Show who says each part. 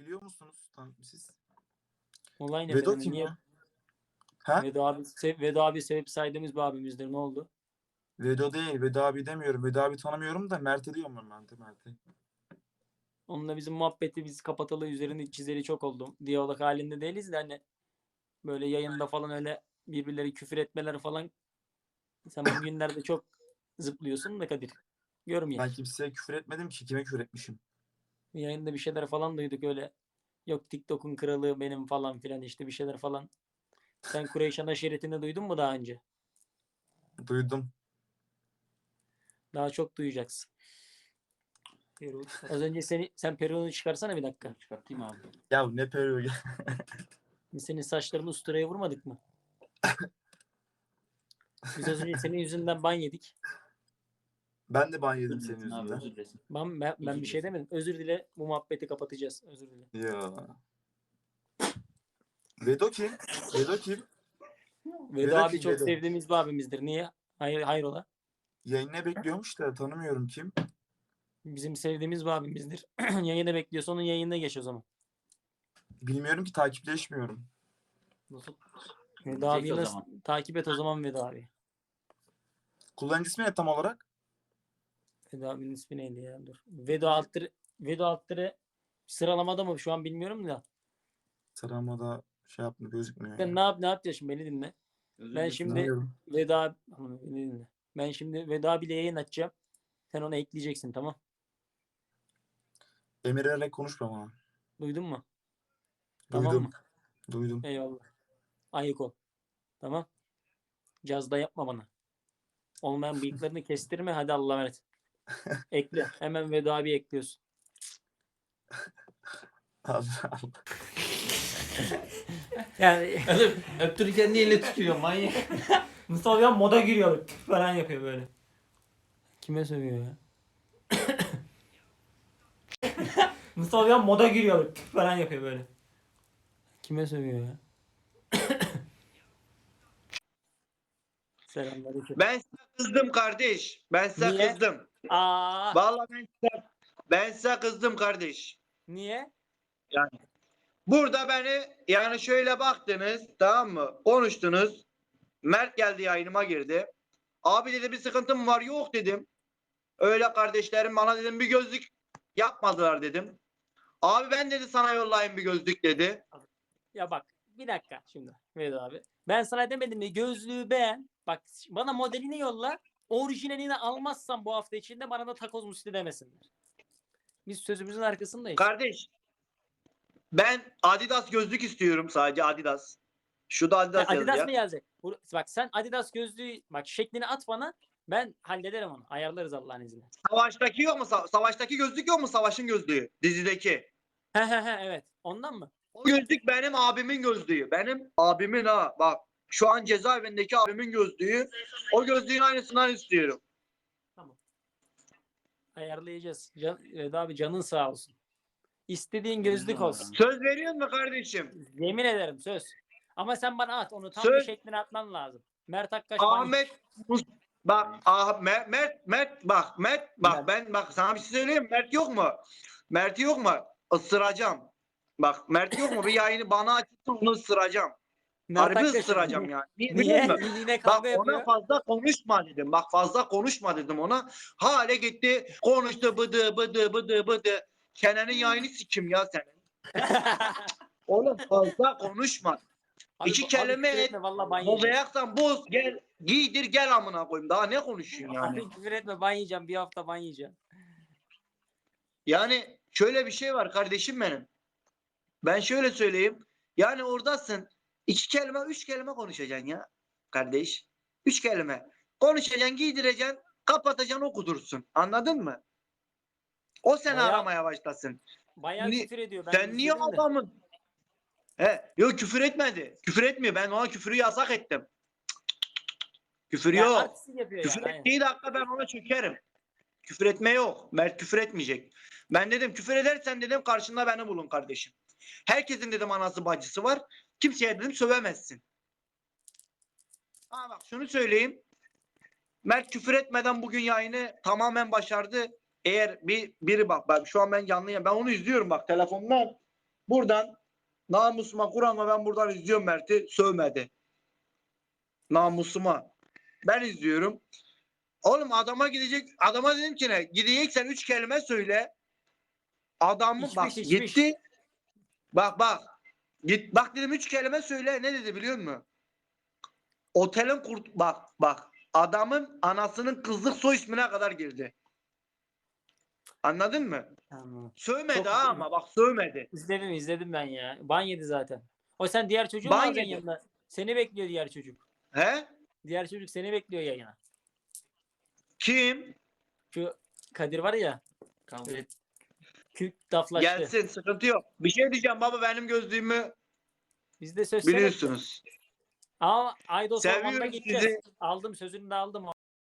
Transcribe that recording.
Speaker 1: biliyor musunuz siz?
Speaker 2: Olay ne
Speaker 1: Vedo
Speaker 2: benim?
Speaker 1: kim
Speaker 2: Niye?
Speaker 1: ya? Ha?
Speaker 2: Vedo abi sevip saydığımız bir abimizdir. Ne oldu?
Speaker 1: Vedo değil. Vedo abi demiyorum. Vedo abi tanımıyorum da Mert'i diyorum ben de Mert'i.
Speaker 2: Onunla bizim muhabbeti biz kapatalı üzerinde çizeli çok oldu. Diyalog halinde değiliz de hani böyle yayında falan öyle birbirleri küfür etmeler falan. Sen bugünlerde çok zıplıyorsun da Kadir.
Speaker 1: Ben
Speaker 2: Görmeyek.
Speaker 1: kimseye küfür etmedim ki. Kime küfür etmişim?
Speaker 2: Yayında bir şeyler falan duyduk öyle. Yok TikTok'un kralı benim falan filan işte bir şeyler falan. Sen Kureyşan aşiretini duydun mu daha önce?
Speaker 1: Duydum.
Speaker 2: Daha çok duyacaksın. Az önce sen peruğunu çıkarsana bir dakika.
Speaker 3: Çıkartayım abi.
Speaker 1: Ya ne periyor?
Speaker 2: Biz senin saçlarını usturaya vurmadık mı? Biz az önce senin yüzünden ban yedik.
Speaker 1: Ben de ban yedim
Speaker 3: Özür
Speaker 1: senin
Speaker 3: dilesin abi,
Speaker 1: yüzünden.
Speaker 3: özür dilesin.
Speaker 2: Ben
Speaker 3: Özür
Speaker 2: bir şey
Speaker 3: dilesin.
Speaker 2: demedim. Özür dile, bu muhabbeti kapatacağız. Özür dile.
Speaker 1: Ya. Vedo kim? Vedo kim?
Speaker 2: Vedo
Speaker 1: Vedo
Speaker 2: abi
Speaker 1: kim?
Speaker 2: çok
Speaker 1: Vedo.
Speaker 2: sevdiğimiz bir abimizdir. Niye? Hayrola?
Speaker 1: Yayına bekliyormuş da tanımıyorum kim.
Speaker 2: Bizim sevdiğimiz bir abimizdir. Yayını bekliyorsa onun yayınına geç o zaman.
Speaker 1: Bilmiyorum ki takipleşmiyorum.
Speaker 2: Nasıl? Vedo
Speaker 3: Çek
Speaker 2: abi
Speaker 3: o
Speaker 2: nasıl?
Speaker 3: zaman.
Speaker 2: Takip et o zaman Vedo abi.
Speaker 1: Kullanıcı ismi ne tam olarak?
Speaker 2: Vedo abinin ismi neydi ya? Dur. Vedo Alttır'ı sıralamada mı? Şu an bilmiyorum da.
Speaker 1: Sıramada şey yapmıyor gözükmüyor
Speaker 2: Sen
Speaker 1: ya.
Speaker 2: ne yapacağız şimdi? Beni dinle.
Speaker 3: Özür
Speaker 2: Ben
Speaker 3: dilesin.
Speaker 2: şimdi
Speaker 1: Bilmiyorum.
Speaker 2: Beni dinle. Ben şimdi Vedo abiyle yayın açacağım. Sen onu ekleyeceksin, tamam?
Speaker 1: Emirlerle konuşma bana.
Speaker 2: Duydun mu? Tamam
Speaker 1: Duydum.
Speaker 2: mı?
Speaker 1: Duydum.
Speaker 2: Eyvallah. Ayık ol. Tamam. Cazda yapma bana. Olmayan bıyıklarını kestirme. Hadi Allah'a emanet. Ekle. Hemen Vedo abi ekliyorsun.
Speaker 1: Allah Allah.
Speaker 2: Yani
Speaker 3: Oğlum öptürürken niye elle tutuyor manyak?
Speaker 2: Mustafa ya moda giriyor. Falan yapıyor böyle. Kime sövüyor ya? Mustafa ya moda giriyor. Falan yapıyor böyle. Kime sövüyor ya? Selamünaleyküm.
Speaker 4: Ben size kızdım kardeş. Ben size
Speaker 2: Niye?
Speaker 4: kızdım.
Speaker 2: Aa,
Speaker 4: Vallahi ben size kızdım kardeş.
Speaker 2: niye?
Speaker 4: Yani burada beni yani şöyle baktınız, tamam mı? Konuştunuz. Mert geldi, yayınıma girdi. Abi dedi, bir sıkıntım var. Yok dedim. Öyle kardeşlerim bana dedim bir gözlük yapmadılar dedim. Abi ben dedi sana yollayayım bir gözlük dedi.
Speaker 2: Ya bak bir dakika şimdi Vedat abi. Ben sana demedim mi gözlüğü beğen. Bak bana modelini yolla. Orijinalini almazsam bu hafta içinde bana da takoz musti demesinler. Biz sözümüzün arkasındayız.
Speaker 4: Kardeş, ben Adidas gözlük istiyorum, sadece Adidas. Şu da Adidas
Speaker 2: Adidas
Speaker 4: yazıyor.
Speaker 2: mı gelecek? Bak sen Adidas gözlüğü bak şeklini at bana. Ben hallederim onu. Ayarlarız Allah'ın izniyle.
Speaker 4: Savaştaki yok mu? Savaştaki gözlük yok mu? Savaşın gözlüğü dizideki.
Speaker 2: He evet. Ondan mı?
Speaker 4: O gözlük benim abimin gözlüğü. Benim abimin ha. Bak şu an cezaevindeki abimin gözlüğü. O gözlüğün aynısından istiyorum.
Speaker 2: Ayarlayacağız. Vedat abi canın sağ olsun. İstediğin gözlük olsun.
Speaker 4: Söz veriyor musun kardeşim?
Speaker 2: Yemin ederim söz. Ama sen bana at. Onu tam bir
Speaker 4: Söz.
Speaker 2: şeklini atman lazım. Mert Akkaş
Speaker 4: Ahmet bak Mert bak ben bak sana bir şey söyleyeyim. Mert yok mu? Mert yok mu? Isıracağım. Bak Mert yok mu? Bir yayını bana açıp onu ısıracağım.
Speaker 2: Mert
Speaker 4: Harbi
Speaker 2: Akkaş.
Speaker 4: ısıracağım yani.
Speaker 2: Niye?
Speaker 4: Biliyor musun?
Speaker 2: Yine
Speaker 4: Bak
Speaker 2: kavga
Speaker 4: ona
Speaker 2: yapıyor.
Speaker 4: fazla konuşma dedim. Bak fazla konuşma dedim ona. Hale gitti. Konuştu bıdı. Kenan'ın yayını sikim ya senin. Oğlum fazla konuşma. İki kelime
Speaker 2: küfür
Speaker 4: et.
Speaker 2: etme valla ban yiyeceğim.
Speaker 4: Bozayaksan boz gel. Giydir gel amına koyayım. Daha ne konuşuyorsun yani?
Speaker 2: Abi küfür etme ban yiyeceğim. Bir hafta ban yiyeceğim.
Speaker 4: Yani şöyle bir şey var kardeşim benim. Ben şöyle söyleyeyim. Yani oradasın. İki kelime, üç kelime konuşacaksın ya. Kardeş. Üç kelime. Konuşacaksın, giydireceksin, kapatacaksın, okudursun. Anladın mı? O seni
Speaker 2: Bayağı-
Speaker 4: aramaya başlasın.
Speaker 2: Bayağı küfür ediyor. Ben
Speaker 4: Sen niye
Speaker 2: izledim de.
Speaker 4: adamın? Yok küfür etmedi. Küfür etmiyor. Ben ona küfürü yasak ettim. Küfür
Speaker 2: Ya
Speaker 4: yok.
Speaker 2: artistik yapıyor
Speaker 4: Küfür
Speaker 2: yani. Aynen.
Speaker 4: ettiği dakika ben ona çökerim. Küfür etme yok. Mert küfür etmeyecek. Ben dedim küfür edersen dedim karşında beni bulun kardeşim. Herkesin dedim anası bacısı var. Kimseye dedim sövemezsin. Ha bak şunu söyleyeyim. Mert küfür etmeden bugün yayını tamamen başardı. Eğer biri bak ben şu an ben canlıyım. Ben onu izliyorum bak telefondan. Buradan namusuma Kur'an'la ben buradan izliyorum Mert'i. Sövmedi. Namusuma. Ben izliyorum. Oğlum adama gidecek. Adama dedim ki ne? Gideceksen 3 kelime söyle. Adamı bak
Speaker 2: İçmiş.
Speaker 4: gitti. Bak. Git bak dedim 3 kelime söyle. Ne dedi biliyor musun? Otelin bak. Adamın anasının kızlık soy ismine kadar girdi. Anladın mı?
Speaker 2: Tamam.
Speaker 4: Sövmedi
Speaker 2: Çok
Speaker 4: ha
Speaker 2: güzel.
Speaker 4: ama bak sövmedi.
Speaker 2: İzledim ben ya. Ban yedi zaten. O sen diğer çocuğu mu
Speaker 4: Ban
Speaker 2: alacaksın
Speaker 4: yedi.
Speaker 2: yanına? Seni bekliyor diğer çocuk.
Speaker 4: He?
Speaker 2: Diğer çocuk seni bekliyor yayına.
Speaker 4: Kim?
Speaker 2: Şu Kadir var ya.
Speaker 3: Kavga et.
Speaker 2: Kürk daflaştı.
Speaker 4: Gelsin sıkıntı yok. Bir şey diyeceğim baba benim gözlüğümü
Speaker 2: Biz de söz söyledik.
Speaker 4: biliyorsunuz.
Speaker 2: Ama Aydos Orman'da
Speaker 4: Seviyoruz
Speaker 2: gideceğiz.
Speaker 4: sizi.
Speaker 2: Aldım sözünü de aldım.